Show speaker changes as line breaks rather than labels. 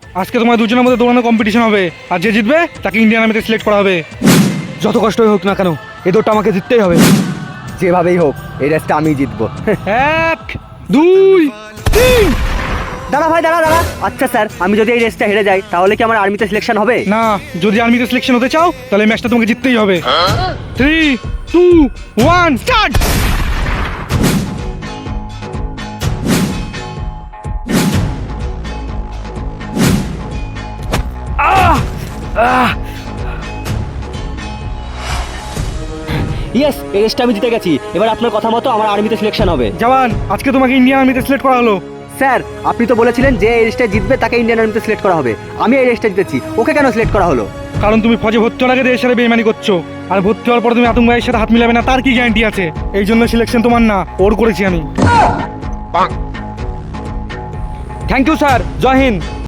আজকে তোমার দুজনের মধ্যে দৌড়ানো কম্পিটিশন হবে, আর যে জিতবে তাকে ইন্ডিয়ান আর্মিতে সিলেক্ট করা হবে।
যত কষ্টই হোক না কেন এই দৌড়টা আমাকে জিততেই হবে। যেভাবেই হোক এই রেসটা আমি জিতবো।
1 2 3।
দাঁড়া ভাই, দাঁড়া দাঁড়া। আচ্ছা স্যার, আমি যদি এই রেসটা হেরে যাই তাহলে কি আমার আর্মিতে সিলেকশন হবে?
না, যদি আর্মিতে সিলেকশন হতে চাও তাহলে ম্যাচটা তোমাকে জিততেই হবে। 3 2 1 স্টার্ট।
ইয়েস, এই রেসটা আমি জিতে গেছি। এবার আপনার কথা মতো আমার আর্মিতে সিলেকশন হবে।
জওয়ান, আজকে তোমাকে ইন্ডিয়ান আর্মিতে সিলেক্ট করা হলো।
স্যার, আপনি তো বলেছিলেন যে এই রেসটা জিতবে তাকে ইন্ডিয়ান আর্মিতে সিলেক্ট করা হবে। আমি এই রেসটা জিতেছি, ওকে কেন সিলেক্ট করা হলো?
কারণ তুমি ফৌজে ভর্তি হওয়ার আগে দেশের সাথে বেইমানি করছো, আর ভর্তি হওয়ার পর তুমি আতঙ্কবাদীর সাথে হাত মিলাবে না তার কি গ্যারান্টি আছে? এই জন্য সিলেকশন তোমার না, ওর করেছি আমি।
থ্যাংক ইউ স্যার, জয় হিন্দ।